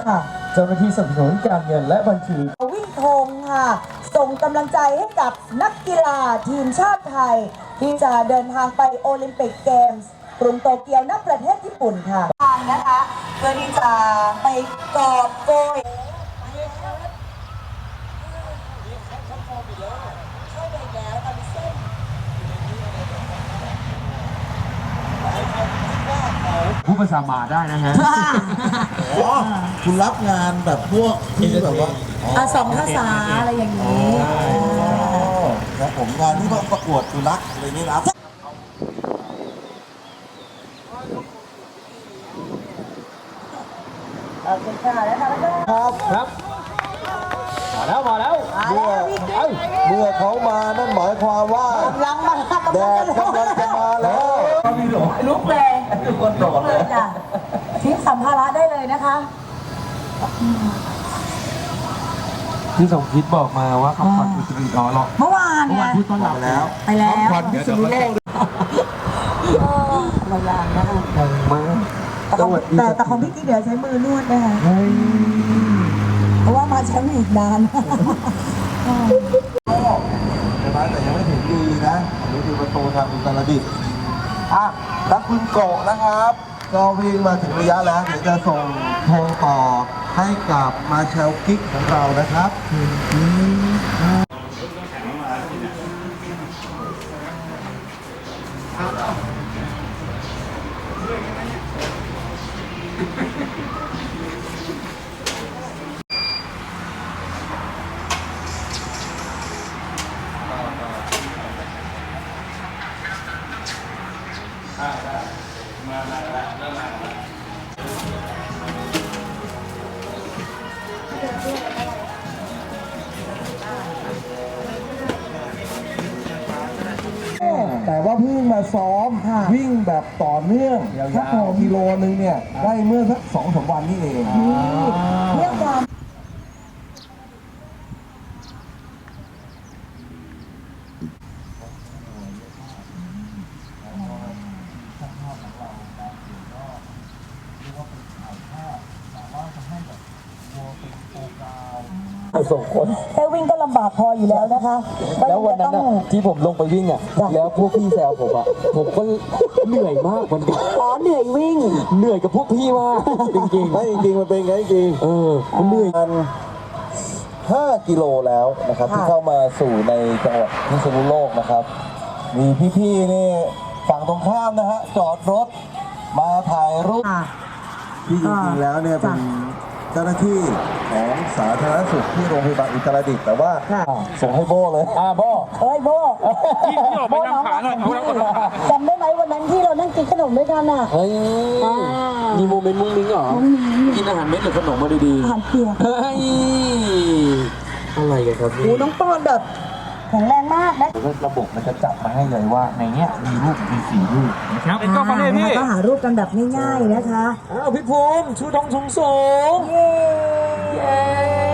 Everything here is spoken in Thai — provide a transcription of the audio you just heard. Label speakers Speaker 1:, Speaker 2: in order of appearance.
Speaker 1: ค่ะ
Speaker 2: เจ้าหน้าที่สนับสนุนการเงินและบัญชี
Speaker 1: วิ่งธงค่ะส่งกำลังใจให้กับนักกีฬาทีมชาติไทย ที่จะเดินทางไปโอลิมปิกเกมส์กรุงโตเกียวณประเทศญี่ปุ่นค่ะทางนะคะเพื่อที่จะไปกอบโกย
Speaker 3: ผู้ภาษามาได้นะฮะ
Speaker 4: อ๋อคุณรับงานแบบพวกที่แบบว่า
Speaker 1: สองภาษาอะไรอย่างนี้
Speaker 4: ครับผมงานที่ประกวดสุนัขอะไรนี้รับ
Speaker 1: โอเคค่ะแล้วค่ะแล้วก็
Speaker 2: ครับมาแล้วมาแล้ว
Speaker 4: เมื่อเขามานั่นหมายความว่าก
Speaker 1: ำลังมา
Speaker 4: แดดกำลังจะมาแล้ว
Speaker 1: ลุกเลยลุกเลยจ้ะทิ้งสัมภาระได้เลยนะคะ
Speaker 3: ที่สมคิดบอกมาว่าคำขวัญอุตริหรอ
Speaker 1: เมื่อวานไง
Speaker 3: พูดต้อนรับแล้ว
Speaker 1: ไปแล้ว
Speaker 3: ขวัญพิษณุโลก
Speaker 1: เรายางนะคะ
Speaker 3: มา
Speaker 1: แต่ของพี่กิ๊กเดี๋ยวใช้มือนวดนะคะเพราะว่ามาแชมป์อีกนาน
Speaker 4: ใช่ไหมแต่ยังไม่ถึงดีนะอันนี้คือประตูทางอุตรดิตถ์แล้วคุณโกะนะครับก็วิ่งมาถึงระยะแล้วเดี๋ยวจะส่งโทรต่อให้กับมาเชลกิ๊กของเรานะครับ แต่ว่าเพิ่งมาซ้อมวิ่งแบบต่อเนื่องสักกิโลนึงเนี่ยได้เมื่อสัก2-3 วันนี่เอง
Speaker 1: เรื่องความ
Speaker 2: ส่งคน
Speaker 1: แค่วิ่งก็ลำบากพออยู่แล้วนะคะ
Speaker 2: แล้ววันนั้นอะที่ผมลงไปวิ่งอะแล้วพวกพี่แซวผมอะผมก็เหนื่อยมากวันนี้
Speaker 1: เหนื่อยวิ่ง
Speaker 2: เหนื่อยกับพวกพี่มากจริง
Speaker 4: ไม่จริงๆมันเป็นไงจริง
Speaker 2: มันเหนื่อย
Speaker 4: มัน5 กิโลแล้วนะครับที่เข้ามาสู่ในจังหวัดพิษณุโลกนะครับ มีพี่ๆนี่ฝั่งตรงข้ามนะฮะจอดรถมาถ่ายรูปที่จริงๆแล้วเนี่ยเป็นเจ้าหน้าที่ของสาธารณสุขที่โรงพยาบาลอุตรดิตถ์แต่ว่าส่งให้โบ้เลย
Speaker 2: โบ
Speaker 1: เฮ้ยโบ
Speaker 3: ที่ออกไปทำขาหน่อยเอาแล้วก่อน
Speaker 1: จำได้ไหมวันนั้นที่เรานั่งกินขนมด้วยกันอ่ะ
Speaker 2: เฮ้ยมีโมเมนต์มุ้งมิ้งเหรอกินอาหารเม็ดหรือขนมมาดี
Speaker 1: อาหารเปียก
Speaker 2: ๆเฮ้ยอะไรกันครับ
Speaker 1: โอ้น้องปอนแบบแข็งแรงมากนะ
Speaker 2: ระบบมันจะจับมาให้เลยว่าในเนี้ยมีรูปมี4 รูปนะครับเป็นก็ฟังเลยพี่
Speaker 1: ก็หารูปกันแบบง่ายๆนะคะ
Speaker 2: อ้าวพี่ภูมิชูธงสูง
Speaker 1: เย้
Speaker 2: เย้